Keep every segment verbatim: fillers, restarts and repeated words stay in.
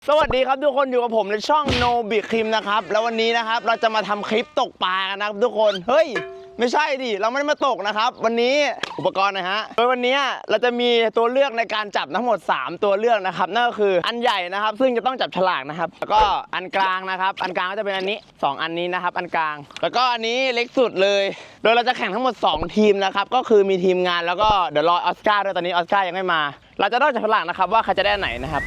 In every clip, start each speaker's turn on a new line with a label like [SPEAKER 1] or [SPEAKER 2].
[SPEAKER 1] สวัสดีครับทุกคนอยู่กับผมในช่องโนบิคิมนะครับแล้ววันนี้นะครับเราจะมาทำคลิปตกปลากันนะครับทุกคนเฮ้ยไม่ใช่ดิเราไม่ได้มาตกนะครับวันนี้อุปกรณ์นะฮะโดยวันนี้เราจะมีตัวเลือกในการจับทั้งหมดสามตัวเลือกนะครับนั่นก็คืออันใหญ่นะครับซึ่งจะต้องจับฉลากนะครับแล้วก็อันกลางนะครับอันกลางก็จะเป็นอันนี้สองอันนี้นะครับอันกลางแล้วก็อันนี้เล็กสุดเลยโดยเราจะแข่งทั้งหมดสองทีมนะครับก็คือมีทีมงานแล้วก็เดี๋ยวรอออสการ์ด้วยตอนนี้ออสการ์ยังไม่มาเราจะต้องจับฉลากนะครับว่าใครจะได้ไหนนะครับ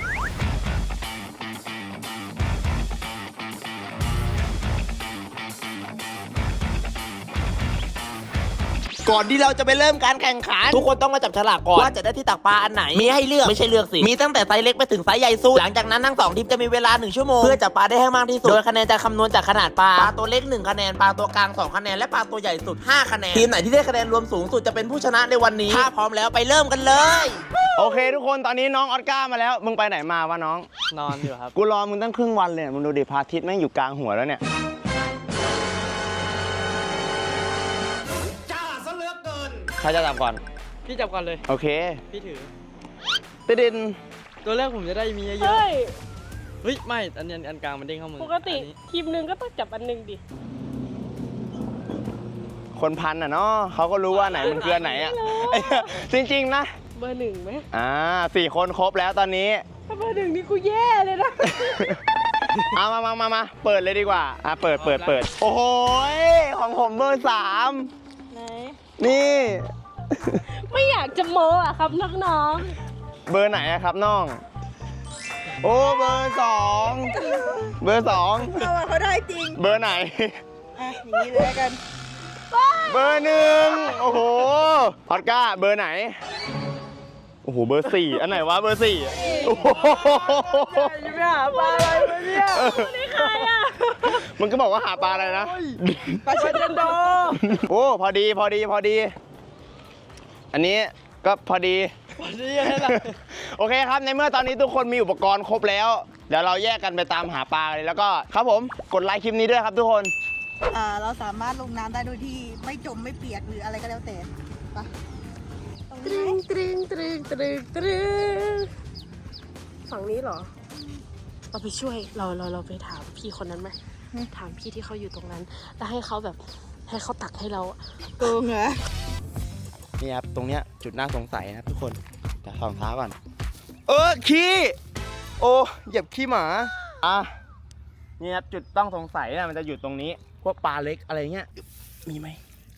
[SPEAKER 1] ก่อนที่เราจะไปเริ่มการแข่งขันทุกคนต้องมาจับฉลากก่อนว่าจะได้ที่ตักปลาอันไหนมีให้เลือกไม่ใช่เลือกสิมีตั้งแต่ไซส์เล็กไปถึงไซส์ใหญ่สุดหลังจากนั้นทั้งสองทีมจะมีเวลาหนึ่งชั่วโมงเพื่อจับปลาได้ให้มากที่สุดโดยคะแนนจะคำนวณจากขนาดปลาปลาตัวเล็กหนึ่งคะแนนปลาตัวกลางสองคะแนนและปลาตัวใหญ่สุดห้าคะแนนทีมไหนที่ได้คะแนนรวมสูงสุดจะเป็นผู้ชนะในวันนี้ถ้าพร้อมแล้วไปเริ่มกันเลยโอเคทุกคนตอนนี้น้องออสการ์มาแล้วมึงไปไหนมาวะน้อง
[SPEAKER 2] นอนอยู่ครับ
[SPEAKER 1] กูรอมึงตั้งครึ่งวันเลยมึงดูดิพระอาทิตย์แม่งอยู่กลางหัวแล้วเนี่ยใครจะจับก่อน
[SPEAKER 2] พี่จับก่อนเลย
[SPEAKER 1] โอเค
[SPEAKER 2] พี่ถือ
[SPEAKER 1] ติดิน
[SPEAKER 2] ตัวแรกผมจะได้มีเยอะๆเฮ้ยเฮ้ยไม่อันนี้อันกลางมันเด้งเข้ามือ
[SPEAKER 3] ปกติทีมหนึ่งก็ต้องจับอันหนึ่งดิ
[SPEAKER 1] คนพันอ่ะเนาะเขาก็รู้ว่าไหนมันคืออันไหนอ่ะจริงๆนะ
[SPEAKER 3] เบอร์หนึ่งไหม
[SPEAKER 1] อ่าสี่คนครบแล้วตอนนี้
[SPEAKER 3] ถ้าเบอร์หนึ่งนี่กูแย่เลยนะ
[SPEAKER 1] เอามามามามาเปิดเลยดีกว่าอ่ะเปิดเปิดเปิดโอ้โหของผมเบอร์สาม
[SPEAKER 3] ไหน
[SPEAKER 1] นี่
[SPEAKER 3] ไม่อยากจะโม้อะครับน้อง
[SPEAKER 1] ๆเบอร์ไหนอะครับน้องโอ้เบอร์สองเบอร์สอง
[SPEAKER 3] เขาเขาได้จริง
[SPEAKER 1] เบอร์ไหน
[SPEAKER 3] อ่ะอย่างนี้เลยกัน
[SPEAKER 1] เบอร์หนึ่งโอ้โหพอดก้าเบอร์ไหนโอ้โหเบอร์สี่อันไหนวะเบอร์สี่โอ้โห
[SPEAKER 3] จะไปหาปลาอะไรมาเนี่ยนี่ใครอ่ะ
[SPEAKER 1] มันก็บอกว่าหาปลาอะไรนะ
[SPEAKER 3] ปลาเชนโด
[SPEAKER 1] โอ้พอดีพอดีพอดีอันนี้ก็พอดี
[SPEAKER 2] พอดีอะไร
[SPEAKER 1] โอเคครับในเมื่อตอนนี้ทุกคนมีอุปกรณ์ครบแล้วเดี๋ยวเราแยกกันไปตามหาปลาเลยแล้วก็ครับผมกดไลค์คลิปนี้ด้วยครับทุกคน
[SPEAKER 4] อ่าเราสามารถลงน้ำได้โดยที่ไม่จมไม่เปียกหรืออะไรก็แล้วแต่ไป
[SPEAKER 3] ตรึงตรึงตรึงตรึงตรึงฝั่งนี้เหรอเราไปช่วยเราเราเราไปถามพี่คนนั้นไหมถามพี่ที่เขาอยู่ตรงนั้นแล้วให้เขาแบบให้เขาตักให้เรา
[SPEAKER 4] โกงเหรอ
[SPEAKER 1] นี่ครับตรงเนี้ยจุดน่าสงสัยนะครับทุกคนแต่สองเท้าก่อนเออขี้โอ้เหยียบขี้หมาอ่ะนี่ครับจุดต้องสงสัยนะมันจะอยู่ตรงนี้พวกปลาเล็กอะไรเงี้ยมีไหม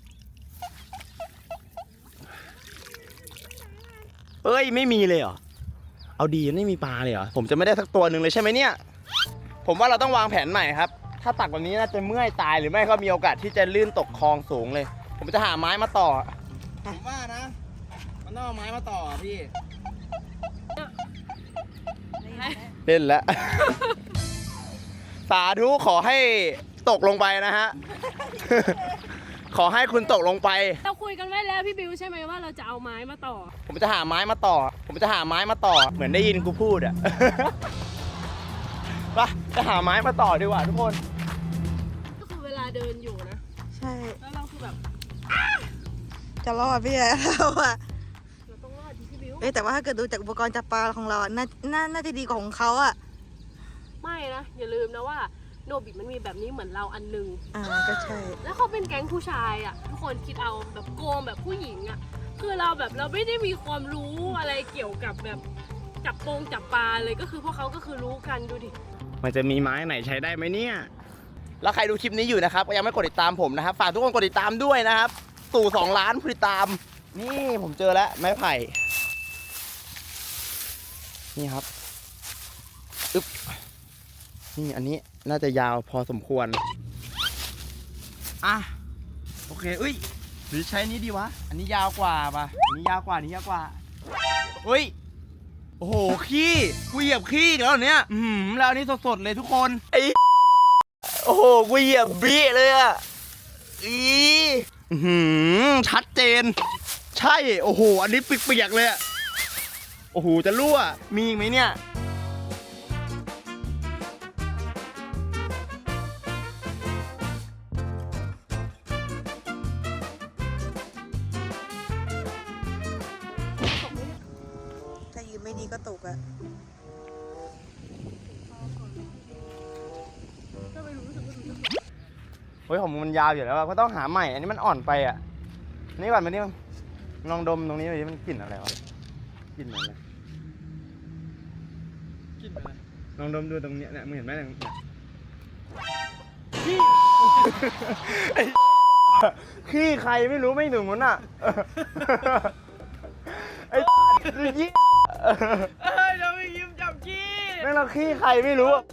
[SPEAKER 1] เอ้ยไม่มีเลยเหรอเอาดีไม่มีปลาเลยเหรอผมจะไม่ได้สักตัวหนึ่งเลยใช่ไหมเนี่ยผมว่าเราต้องวางแผนใหม่ครับถ้าตักแบบนี้น่าจะเมื่อยตายหรือไม่ก็มีโอกาสที่จะลื่นตกคลองสูงเลยผมจะหาไม้มาต่อผมว่านะมันต้องเอาไม้มาต่อพี่เล่นแล้วสาธุขอให้ตกลงไปนะฮะขอให้คุณตกลงไป
[SPEAKER 3] เราคุยกันไว้แล้วพี่บิวใช่ไหมว่าเราจะเอาไม้มาต่อ
[SPEAKER 1] ผมจะหาไม้มาต่อผมจะหาไม้มาต่อเหมือนได้ยินกูพูดอ่ะไปจะหาไม้มาต่อดีกว่าทุกคน
[SPEAKER 3] ก็คือเวลาเดินอยู่นะ
[SPEAKER 4] ใช่
[SPEAKER 3] แล้วเราคือแบบ
[SPEAKER 4] จะรอดพี่เราอะ
[SPEAKER 3] เราต้องรอดดิพี่บิว
[SPEAKER 4] เอ้แต่ว่าถ้าเกิดดูจากอุปกรณ์จับปลาของเราอะน่าน่าน่าจะดีกว่าของเขาอะ
[SPEAKER 3] ไม่นะอย่าลืมนะว่าโนบิมันมีแบบนี้เหมือนเราอันนึง
[SPEAKER 4] อ่าก็ใช่
[SPEAKER 3] แล้วเขาเป็นแก๊งผู้ชายอ่ะทุกคนคิดเอาแบบโกงแบบผู้หญิงอ่ะคือเราแบบเราไม่ได้มีความรู้อะไรเกี่ยวกับแบบจับโปงจับปลาเลยก็คือพวกเขาก็คือรู้กันดูดิ
[SPEAKER 1] มันจะมีไม้ไหนใช้ได้ไหมเนี่ยแล้วใครดูคลิปนี้อยู่นะครับก็ยังไม่กดติดตามผมนะครับฝากทุกคนกดติดตามด้วยนะครับสู่สองล้านผู้ติดตามนี่ผมเจอแล้วไม้ไผ่นี่ครับอึ๊บนี่อันนี้น่าจะยาวพอสมควรอ่ะโอเคเอ้ยหรือใช้นี้ดีวะอันนี้ยาวกว่าป่ะอันนี้ยาวกว่านี้ยาวกว่าเฮ้ยโอ้โหขี้กูเหยียบขี้แล้วเนี้ยอืมแล้วอันนี้สดๆเลยทุกคนไอ้โอ้โหกูเหยียบบี้เลยอ่ะอีหืมชัดเจนใช่โอ้โหอันนี้เปียกๆเลยอ่ะโอ้โหจะรั่วมีไหมเนี่ย
[SPEAKER 4] ถ้ายืนไม่ดีก็ตกอะ
[SPEAKER 1] เฮ้ยของมึงมันยาวอยู่แล้วอะก็ต้องหาใหม่ อันนี้มันอ่อนไปอ่ะ นี่ก่อนมานี่มึงลองดมตรงนี้ดิมันกลิ่นอะไรวะกลิ่นเหมือนอะไร
[SPEAKER 2] กินไปเลย
[SPEAKER 1] ลองดมดูตรงเนี้ยเนี่ยมึงเห็นไหมเนี่ยไอ้ขี้ใครไม่รู้ไม่ถึงมันอ่ะไอ้ยี่
[SPEAKER 2] เอ้ยเราไม่ยิ้มจับกี้
[SPEAKER 1] ไม่เราขี้ใครไม่รู้อะ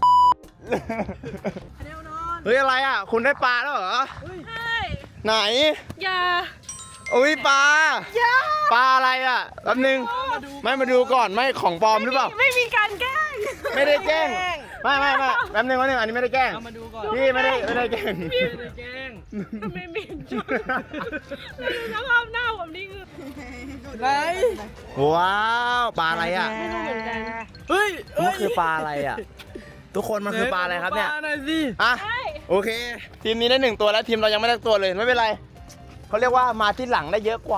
[SPEAKER 1] เฮ้ยอะไรอ่ะคุณได้ปลาแล้วเหรอ
[SPEAKER 3] ใช่
[SPEAKER 1] ไหน
[SPEAKER 3] อย่า
[SPEAKER 1] อุ้ยปลาปลาอะไรอ่ะแป๊บนึงไม่มาดูก่อนไม่ของปลอมหรือเปล่า
[SPEAKER 3] ไม่มีการแกล้ง
[SPEAKER 1] ไม่ได้แกล้งไม่ไม่ไม่แป๊บนึงแป๊บนึงอันนี้ไม่ได้แกล้ง
[SPEAKER 2] เอามาดูก่อน
[SPEAKER 1] พี่ไม่ได้ไม่ได้แกล้ง
[SPEAKER 2] ไม่ได้แกล้ง
[SPEAKER 3] ทำไมเหม็นจังแล้วดูสภาพหน้าผมนี่คือ
[SPEAKER 2] ไหน
[SPEAKER 1] ว้าวปลาอะไรอ่ะ
[SPEAKER 3] ไม่รู้เหมือนกัน
[SPEAKER 2] เฮ้ย
[SPEAKER 1] มันคือปลาอะไรอ่ะ ทุกคนมันคือปลาอะไรครับเนี่ย
[SPEAKER 2] ปลาหน่อยสิ
[SPEAKER 1] อ่ะ
[SPEAKER 3] ใช่
[SPEAKER 1] โอเค ทีมนี้ได้หนึ่งตัวแล้วทีมเรายังไม่ได้ตัวเลยไม่เป็นไรเขาเรียกว่ามาที่หลังได้เยอะกว่า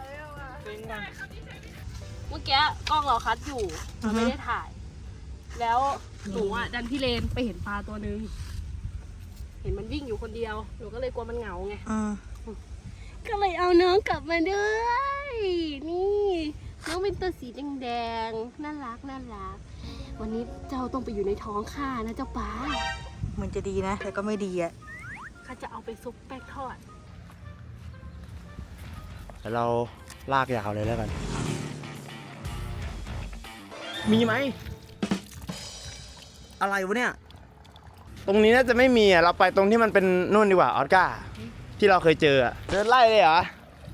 [SPEAKER 3] เมื่อกี้กล้องเราคัดอยู่เราไม่ได้ถ่าย แล้วหนูอ่ะดันพี่เลนไปเห็นปลาตัวนึง เห็นมันวิ่งอยู่คนเดียว หนูก็เลยกลัวมันเหงาไง ก็เลยเอาน้องกลับมาด้วย นี่ น้องเป็นตัวสีแดงๆ น่ารักน่ารัก วันนี้เจ้าต้องไปอยู่ในท้องข้านะเจ้าป๋า
[SPEAKER 4] มันจะดีนะ แต่ก็ไม่ดีอ่ะ
[SPEAKER 3] ข้าจะเอาไปซุปแป้งทอด
[SPEAKER 1] เดี๋ยวเราลากยาวเลยแล้วกัน มีไหม อะไรวะเนี่ย ตรงนี้น่าจะไม่มีอ่ะ เราไปตรงที่มันเป็นนู่นดีกว่าออสการ์ที่เราเคยเจออ่ะเดินไล่เลยเหรอ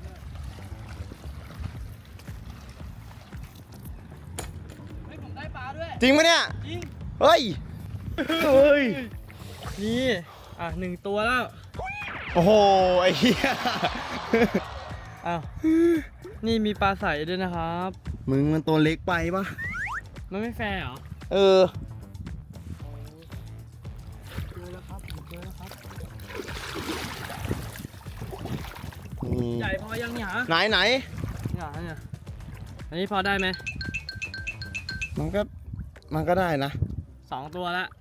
[SPEAKER 2] เฮ้ยผมได้ปลาด้วย
[SPEAKER 1] จริงปะเนี่ย
[SPEAKER 2] จริง
[SPEAKER 1] เฮ้ย เฮ้ย
[SPEAKER 2] นี่อ่ะหนึ่งตัวแล้ว
[SPEAKER 1] โอ้โห ไอ้เหี้ย
[SPEAKER 2] อ้าวนี่มีปลาใสด้วยนะครับ
[SPEAKER 1] มึงมันตัวเล็กไปปะ
[SPEAKER 2] มันไม่แฟร์เหรอ
[SPEAKER 1] เออ
[SPEAKER 2] เจอแล้วครับผมเจอแล้วครับ
[SPEAKER 1] นี่
[SPEAKER 2] ใหญ่พอยังเนี่ยฮะ
[SPEAKER 1] ไหนไหน
[SPEAKER 2] เนี่ยเนี่ยอันนี้พอได้ไหม
[SPEAKER 1] มันก็ มันก็ได้นะ
[SPEAKER 2] สองตัวแล้ว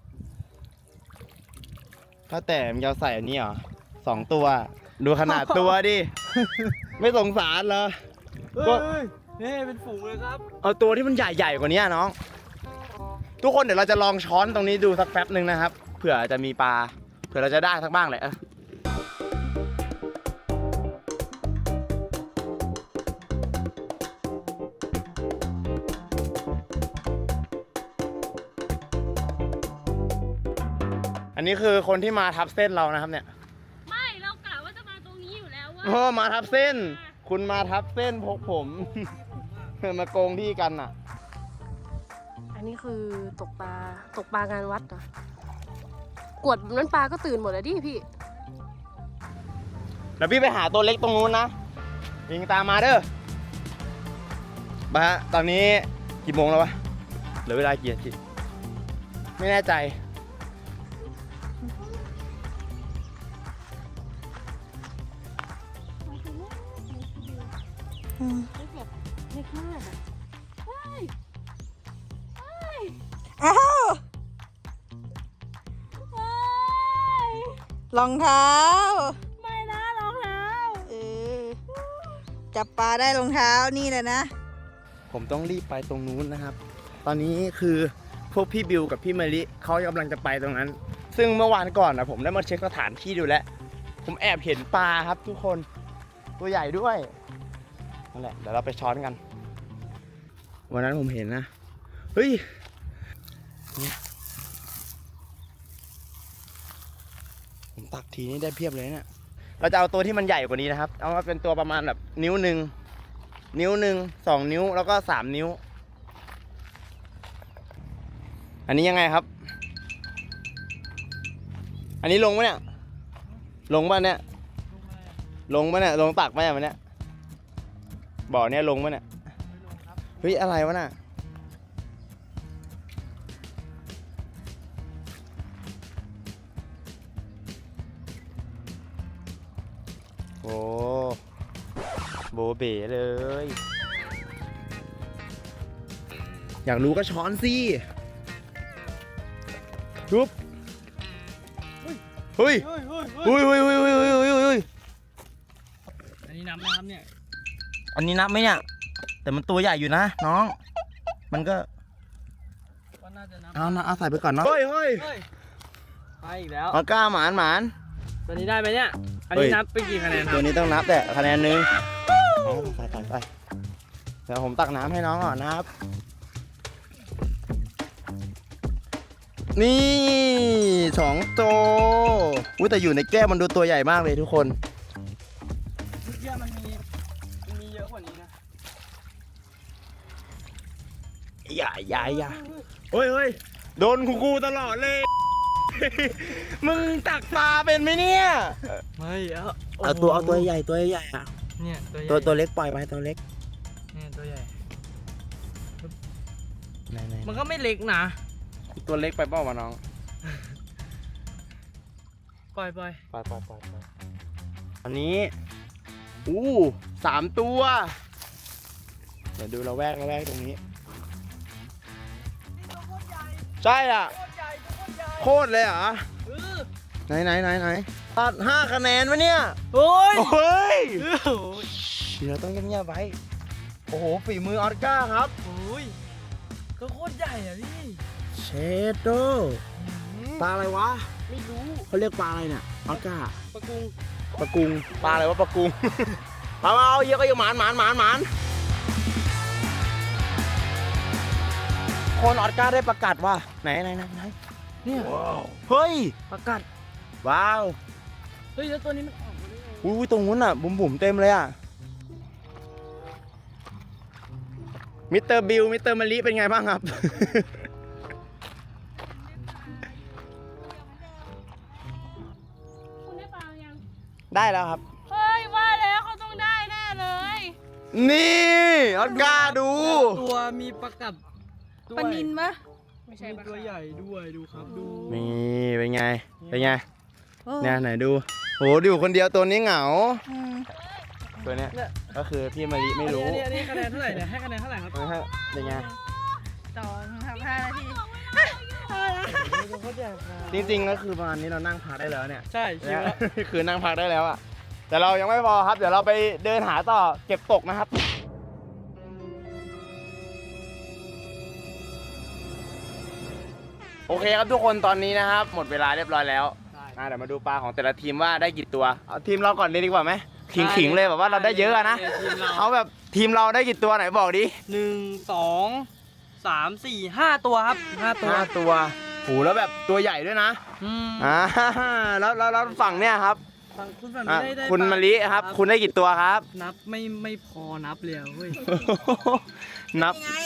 [SPEAKER 1] ถ้าแต่มึงจะเอาใส่อันนี้เหรอสองตัว ดูขนาดตัวดิ ไม่สงสารเหรอ ก็
[SPEAKER 2] เฮ้ยนี่เป็นฝูงเลยครับ
[SPEAKER 1] เอาตัวที่มันใหญ่ๆกว่านี้น้อง ทุกคนเดี๋ยวเราจะลองช้อนตรงนี้ดูสักแป๊บหนึ่งนะครับ เผื่อจะมีปลา เผื่อเราจะได้สักบ้างแหละเอออันนี้คือคนที่มาทับเส้นเรานะครับเนี่ย
[SPEAKER 3] ไม่ เรากะว่าจะมาตรงนี้อยู่แล้วว่า
[SPEAKER 1] โอ้มาทับเส้น คุณมาทับเส้นพกผม มาโกงที่กันอ่ะ
[SPEAKER 3] อันนี้คือตกปลา ตกปลางานวัดเหรอกวดแบบนั้นปลาก็ตื่นหมดแล้วดิพี่
[SPEAKER 1] เดี๋ยวพี่ไปหาตัวเล็กตรงนู้นนะยิงตามมาเด้อมาฮะตอนนี้กี่โมงแล้ววะ เหลือเวลากี่นาทีไม่แน่ใจ
[SPEAKER 3] เล็กแบบเล็กมากอะเฮ้ยเฮ้ย
[SPEAKER 4] อ้าว
[SPEAKER 3] เฮ้ย
[SPEAKER 4] รองเท้า
[SPEAKER 3] ไม่นะรองเท้า
[SPEAKER 4] เออ จับปลาได้รองเท้านี่แหละนะ
[SPEAKER 1] ผมต้องรีบไปตรงนู้นนะครับ ตอนนี้คือพวกพี่บิวกับพี่มะลิเขากำลังจะไปตรงนั้น ซึ่งเมื่อวานก่อนนะผมได้มาเช็คสถานที่ดูแล้ว ผมแอบเห็นปลาครับทุกคน ตัวใหญ่ด้วย นั่นแหละ เดี๋ยวเราไปช้อนกัน วันนั้นผมเห็นนะ เฮ้ยเนี่ยผมตักทีนี้ได้เพียบเลยเนี่ย เราจะเอาตัวที่มันใหญ่กว่านี้นะครับ เอามาเป็นตัวประมาณแบบนิ้วหนึ่ง นิ้วหนึ่ง สองนิ้ว แล้วก็สามนิ้ว อันนี้ยังไงครับ อันนี้ลงปะเนี่ย ลงปะเนี่ย ลงปะเนี่ย ลงตักปะเนี่ยมันเนี่ย บ่อเนี่ยลงปะเนี่ย เฮ้ยอะไรวะน่ะ โอ้โบเบ๋เลย อยากรู้ก็ช้อนสิทุบเฮ้ย
[SPEAKER 2] เฮ้ยเฮ้ย
[SPEAKER 1] เฮ้ยเฮ้ยเฮ้ยเฮ้ยเฮ้ยเฮ้ยเฮ้ย
[SPEAKER 2] อันนี้นับนะครับเนี่ย
[SPEAKER 1] อันนี้นับไหมเนี่ย แต่มันตัวใหญ่อยู่นะน้อง มันก็
[SPEAKER 2] ก็น่าจะนับ
[SPEAKER 1] เอานะเอาใส่ไปก่อนเนาะ เฮ้ยเฮ้ย
[SPEAKER 2] เฮ้ยไปอีกแล้ว
[SPEAKER 1] ออก้าหมานหมาน
[SPEAKER 2] ตัวนี้ได้ไหมเนี่ย อัน
[SPEAKER 1] เฮ้
[SPEAKER 2] นี้
[SPEAKER 1] ย
[SPEAKER 2] นับไปกี่คะแนนครั
[SPEAKER 1] ตัว
[SPEAKER 2] บ
[SPEAKER 1] นี้ต้องนับแต่คะแนนหนึงเอาใส่ใส่ไปเดี๋ยวผมตักน้ำให้น้องก่อนนะครับ นี่สองตัวอุ้ยแต่อยู่ในแก้วมันดูตัวใหญ่มากเลยทุกคน
[SPEAKER 2] เมื่อกี้มันมีมันมีเยอะกว่านี้นะ
[SPEAKER 1] อย่าอย่าอย่าเฮ้ยเฮ้ยโดนกูกูตลอดเลย มึงตักปลาเป็นไหมเนี่ย
[SPEAKER 2] ไม่เอา
[SPEAKER 1] เอาตัวเอาตัวใหญ่ตัวใหญ่อะ
[SPEAKER 2] เนี่ยตัวใหญ่
[SPEAKER 1] ตัวตัวเล็กปล่อยไปตัวเล็ก
[SPEAKER 2] เนี่ยตัวใหญ่
[SPEAKER 1] ไหนไหน
[SPEAKER 2] มันก็ไม่เล็กนะ
[SPEAKER 1] ตัวเล็กไปเปล่าวะน้อง
[SPEAKER 2] ปล่อยปล่อย
[SPEAKER 1] ปล่อยปล่อยปล่อยปล่อยอันนี้อู้สามตัวเดี๋ยวดูเราแวกเราแวกตรงนี้ ใช่อ่ะ โคตรเลยเหรอ
[SPEAKER 2] เออ
[SPEAKER 1] ไหนไหนไหนไหนตัดห้าคะแนนวะเนี่ย
[SPEAKER 2] โอ้ย
[SPEAKER 1] โอ้ย
[SPEAKER 2] โอ้ย
[SPEAKER 1] เดี๋ยวต้องเงียบๆไว้ โอ้โห ฝีมือออสการ์ครับ
[SPEAKER 2] โอ้ยก็โคตรใหญ่อะพี่
[SPEAKER 1] เชดโดปลาอะไรวะ
[SPEAKER 2] ไม่รู้
[SPEAKER 1] เขาเรียกปลาอะไรเนี่ยออสการ์
[SPEAKER 2] ปลากุง
[SPEAKER 1] ปลากุง ปลาอะไรวะปลากุง มามาเอาเยอะก็ยังหมานหมานหมานหมานคนออสการ์ได้ประกาศว่าไหนไหนไหนไหน
[SPEAKER 2] เนี่ย
[SPEAKER 1] เฮ้ย
[SPEAKER 2] ประกาศ
[SPEAKER 1] ว้าว
[SPEAKER 2] เฮ้ยแล้วตัวนี้มันออกมาได้ไง
[SPEAKER 1] อุ้ยตรงนู้นอ่ะ บุ๋มบุ๋มเต็มเลยอ่ะ มิสเตอร์บิลมิสเตอร์มะลิเป็นไงบ้างครับ
[SPEAKER 3] คุณได้ปลายัง
[SPEAKER 1] ได้แล้วครับ
[SPEAKER 3] เฮ้ยว่าแล้วเขาต้องได้แน่เลย
[SPEAKER 1] นี่ออสการ์ดู
[SPEAKER 2] ตัวมีประกาศด้วย
[SPEAKER 4] ปลานินปะ
[SPEAKER 3] ไม่ใช่
[SPEAKER 2] มี
[SPEAKER 3] ปลา
[SPEAKER 2] ตัวใหญ่ด้วยดูครับดู
[SPEAKER 1] นี่เป็นไง เป็นไง
[SPEAKER 4] เออ
[SPEAKER 1] เนี่ยไหนดูโหอยู่คนเดียวตัวนี้เหงา
[SPEAKER 4] อืม
[SPEAKER 1] ตัวเนี้ยก็คือพี่มะลิไม่รู้
[SPEAKER 2] อันนี้อันนี้คะแนนเท่าไหร่เนี่ยให้คะแนนเท่าไหร่ครับ
[SPEAKER 1] นะฮะเป็นไง
[SPEAKER 4] สองทำห้านาที
[SPEAKER 2] ตัวโคตรใหญ่ครับ
[SPEAKER 1] จริงๆก็คือประมาณนี้เรานั่งพักได้แล้วเนี่ย
[SPEAKER 2] ใช่ชิวแล้ว
[SPEAKER 1] คือนั่งพักได้แล้วอ่ะ แต่เรายังไม่พอครับ เดี๋ยวเราไปเดินหาต่อเก็บตกนะครับ โอเคครับทุกคนตอนนี้นะครับ หมดเวลาเรียบร้อยแล้วอ่ะเดี๋ยวมาดูปลาของแต่ละทีมว่าได้กี่ตัวเอาทีมเราก่อนเลยดีกว่าไหมขิงๆเลยแบบว่าเราได้เยอะอะนะ
[SPEAKER 2] ทีมเรา
[SPEAKER 1] เอาแบบทีมเราได้กี่ตัวไหนบอกดิ
[SPEAKER 2] หนึ่งสองสามสี่ห้าตัวครับห้าตัว
[SPEAKER 1] ห้าตัวโหแล้วแบบตัวใหญ่ด้วยนะ
[SPEAKER 2] อืม
[SPEAKER 1] อ่าแล้วแล้วแล้วฝั่งเนี่ยครับ
[SPEAKER 2] ฝั่งคุณฝั่ง
[SPEAKER 1] อ่ะ
[SPEAKER 2] นี้ได้ได้
[SPEAKER 1] คุณ
[SPEAKER 2] ปลาม
[SPEAKER 1] ะลิครับ คุณได้กี่ตัวครับ
[SPEAKER 2] นับไม่ไม่พอนับเลยอะเว้ย
[SPEAKER 1] นับ
[SPEAKER 4] ยังไง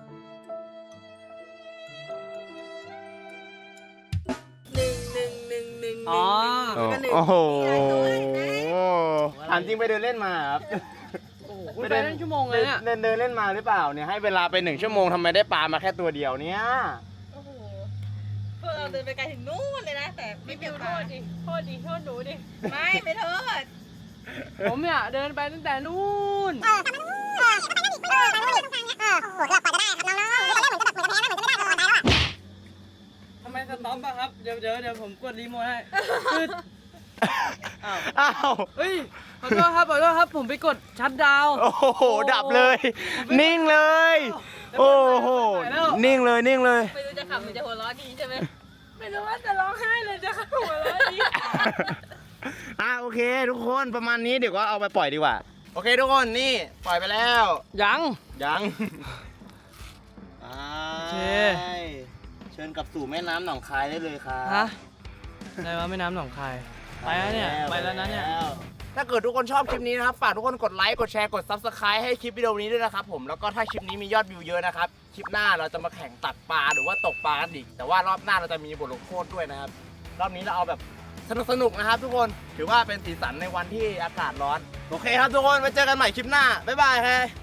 [SPEAKER 4] หนึ่งหนึ่งหนึ่งหนึ่ง
[SPEAKER 2] อ๋อ
[SPEAKER 1] โอ้
[SPEAKER 4] แล้วก็หนึ่ง
[SPEAKER 1] โอ้โห
[SPEAKER 4] นี่ไง
[SPEAKER 1] ถามจริงไปเดินเล่นมาครับ
[SPEAKER 2] โอ้โหคุณไปนั่งชั่วโมงเลยเนี่ย
[SPEAKER 1] เดินเดินเล่นมาหรือเปล่าเนี่ยให้เวลาไปหนึ่งชั่วโมงทำไมได้ปลามาแค่ตัวเดียวเนี่ย
[SPEAKER 4] โอ้โหพวกเราเดินไปไกลถึงนู่นเลยนะ แต่ไม่เจอป
[SPEAKER 3] โท
[SPEAKER 4] ลา
[SPEAKER 3] ษดิ โทษดิ โทษหนูดิ
[SPEAKER 4] ไม่ไม่โทษ
[SPEAKER 2] ผมเนี่ยเดินไปตั้งแต่นู่นทำไมสต็อปอะครับ เดี๋ยวเดี๋ยวเดี๋ยวผมกดรีโมทให้คืออ้าว
[SPEAKER 1] อ้าว
[SPEAKER 2] เฮ้ยขอโทษครับขอโทษครับผมไปกดชัตดาวน์
[SPEAKER 1] โอ้โหดับเลย นิ่งเลย โอ้โหนิ่งเลยนิ่งเลย
[SPEAKER 3] ไม่รู้จะขำหรือจะหัวเราะดีใช่ไหม ไม่รู้ว่าจะร้องไห้เลยจะหัวเราะดี
[SPEAKER 1] อ่ะโอเค ทุกคนประมาณนี้เดี๋ยวก็เอาไปปล่อยดีกว่า โอเคทุกคนนี่ปล่อยไปแล้ว
[SPEAKER 2] ยัง
[SPEAKER 1] ยัง
[SPEAKER 2] โอเค
[SPEAKER 1] เชิญกลับสู่แม่น้ำหนองคายได้เลยครับ
[SPEAKER 2] ฮะอะไรวะแม่น้ำหนองคายไปแล้วเนี่ยไปแล้วนะเนี่ย
[SPEAKER 1] ถ้าเกิดทุกคนชอบคลิปนี้นะครับฝากทุกคนกดไลค์กดแชร์กด ซับสไครบ์ ให้คลิปวิดีโอนี้ด้วยนะครับผมแล้วก็ถ้าคลิปนี้มียอดวิวเยอะนะครับคลิปหน้าเราจะมาแข่งตักปลาหรือว่าตกปลากันอีกแต่ว่ารอบหน้าเราจะมีบทลงโทษด้วยนะครับรอบนี้เราเอาแบบสนุกสนุกๆนะครับ ทุกคนถือว่าเป็นสีสันในวันที่อากาศร้อนโอเคครับทุกคนไว้เจอกันใหม่คลิปหน้าบ๊ายบายครับ